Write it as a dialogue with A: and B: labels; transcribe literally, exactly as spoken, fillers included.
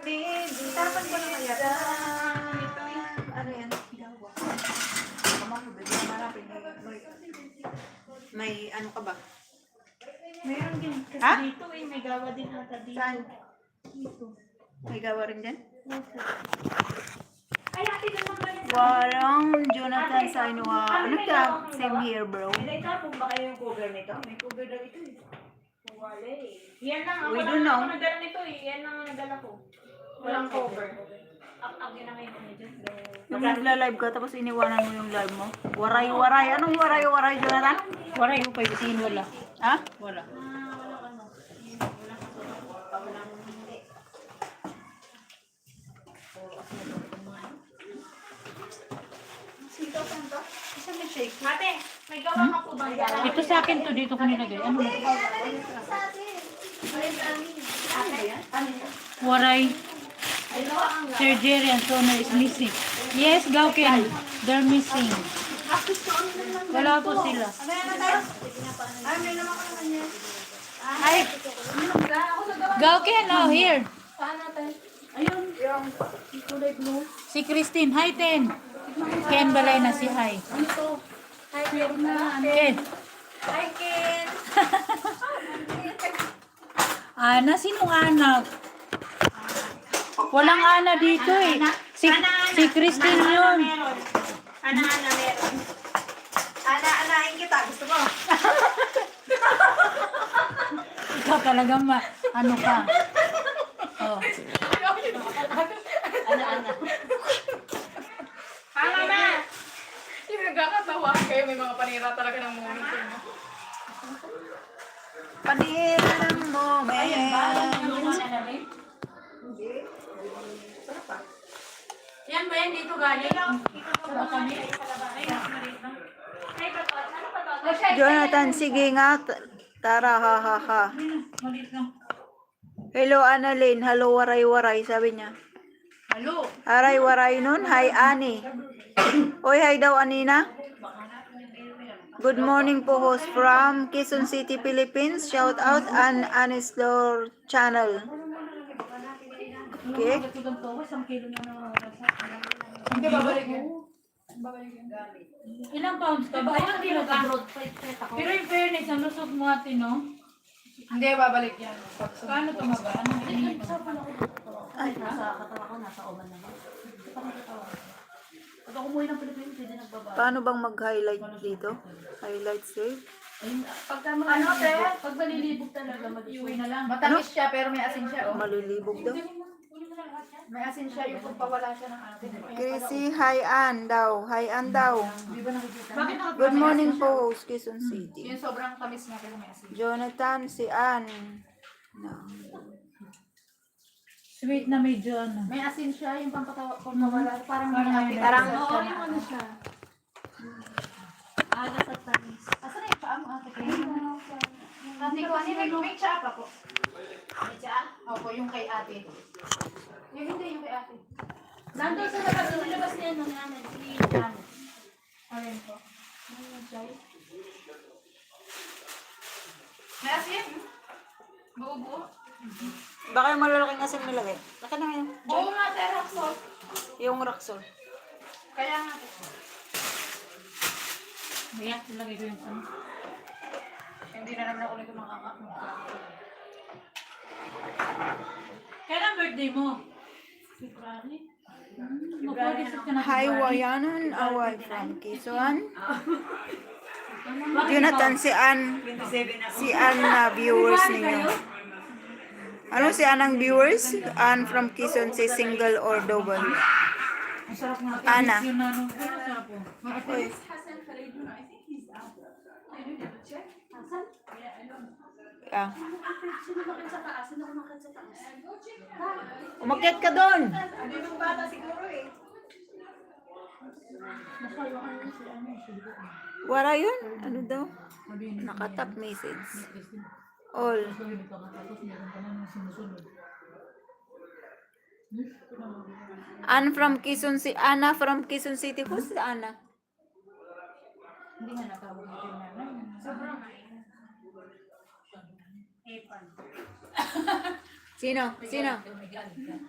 A: Tapon ko na kaya. Ano yan? May ano ka ba?
B: Meron din kasi
A: Ha?
B: dito eh. May gawa din ata dito.
A: Saan?
B: Dito.
A: May gawa rin dyan?
B: Opo. Ay, ate, naman ba yun?
A: Walang Jonathan sa inuha. Ano ka? Same here, bro.
C: May tapong ba kayo yung cover nito? May cover daw ito eh.
B: Wala eh. Yan lang. Ako
A: We
B: lang
A: don't know.
B: ako nagdala nito eh. Yan lang ang nagdala ko. Walang cover. Up-up yun na ngayon kami dyan.
A: Nung nagla-live ka, tapos iniwanan mo yung live mo. Waray-waray. Anong waray-waray, Jonathan?
C: Waray yung paibutin wala.
A: Ha?
C: Wala.
B: Ah, walang ano. Walang kaso. Walang hindi.
A: Sitaw saan to? Isa may shake.
B: Ate, may gawa ka po bang dala?
C: Ito sa akin to, dito ko nilagay. Ano? Waray. Surgery and toner is missing. Yes, Gauken. They're missing. Wala po sila.
A: Ay, may naman ka naman yan.
C: Ay, Gauken, oh, here.
B: Saan natin?
C: Ayun.
A: Yung kulay blue.
C: Si Christine. Hi, Ten. Ken Balay na si Hi.
B: Ano to? Hi, meron na.
C: Ken.
B: Hi, Ken.
C: Ana, sinong anak? Walang Ana dito eh. Si, si Christine yun.
B: Meron. Ana-ana meron.
A: Ana-anain kita. Gusto mo?
C: Ikaw talaga ma, ano ka. Oh.
A: Ana-ana.
B: Ha, mama?
D: Yung nagkakatawa kayo, may mga panira talaga ng moment mo.
A: Panira ng moment.
B: Yan ba yan dito galing? Dito ba kami? Ay, maliit lang. Ay, bato. Ano ba to?
A: Jonathan, sige nga. T- Tara, ha, ha, ha.
C: Malit lang.
A: Hello, Annalyn. Hello, waray-waray, sabi niya.
C: Halo.
A: Aray-waray nun. Hi, Ani. Oy, hi daw, Anina. Good morning po, host from Quezon City, Philippines. Shout out an Anislor channel. Okay.
D: Hindi, babalik yan. Babalik yan.
C: Ilang pounds ka ba? Ayun, hindi ka. Pero in fairness, ang lusog mo ate, no?
D: Hindi, babalik yan.
C: Paano tumaba? Ano?
A: Ay,
C: Pag ako umuwi ng Pilipinas, hindi nagbaba.
A: paano bang mag-highlight dito? Highlight save?
C: Pagka
D: Ano, te?
C: Pag malilibog talaga, mag-iuwi na lang.
D: Matamis siya, pero may asin siya, oh.
A: Malilibog daw.
D: May asin siya, yung pagpawala siya ng asin.
A: Chrissy, hi Ann daw. Hi Ann daw.
D: Di ba nakikita?
C: Bakit nakapasok?
A: Good morning po, host Quezon City.
D: Yung sobrang tamis niya, pero may asin.
A: Jonathan, si Ann. No.
C: Sweet na medyo ano.
D: May asin siya, yung pampatawa, pampawala. Parang may
C: Parang
D: asin.
C: may-
D: Parang,
B: Oo, yung ano siya. Aga sa tamis.
D: asan na yung paa mo, ate? Ate ko, ano may, may tsaa pa po.
B: May tsaa?
D: Opo, yung kay ate. Yung hindi, yung kay ate.
B: Nandun sa labas, sa labas niya nung namin. Si Jan.
D: Alin po.
B: Ano Jai?
D: May asin? Buo-buo?
A: Baka yung malalaking asin nilagay. Laki na yun.
D: Oo nga, te, Roxol.
A: Yung Roxol.
D: Kaya nga.
C: Biyak, ilagay ko yung ano.
D: Hindi na naman ako ulit makakakita.
C: Kailan birthday mo? February? Hmm, magpag-isip ka na.
A: Hi, Wayanan. Away from Quezon. Jonathan, si Ann. Si Ann na viewers ninyo. Ano si Ann ang viewers? Ann from Quezon, si single or double.
C: Ang sarap nga.
A: Ana.
C: Yung ano, ano sarap po?
A: Uy. Ah. Umakyat ka doon. Wala yun? Ano daw? Nakatap message. All. Ann from Quezon City. Anna from Quezon City. Who's Anna?
C: Hindi nga natawag ko yung nanay.
B: Sobrang ngayon. Epan.
A: Sino? Sino?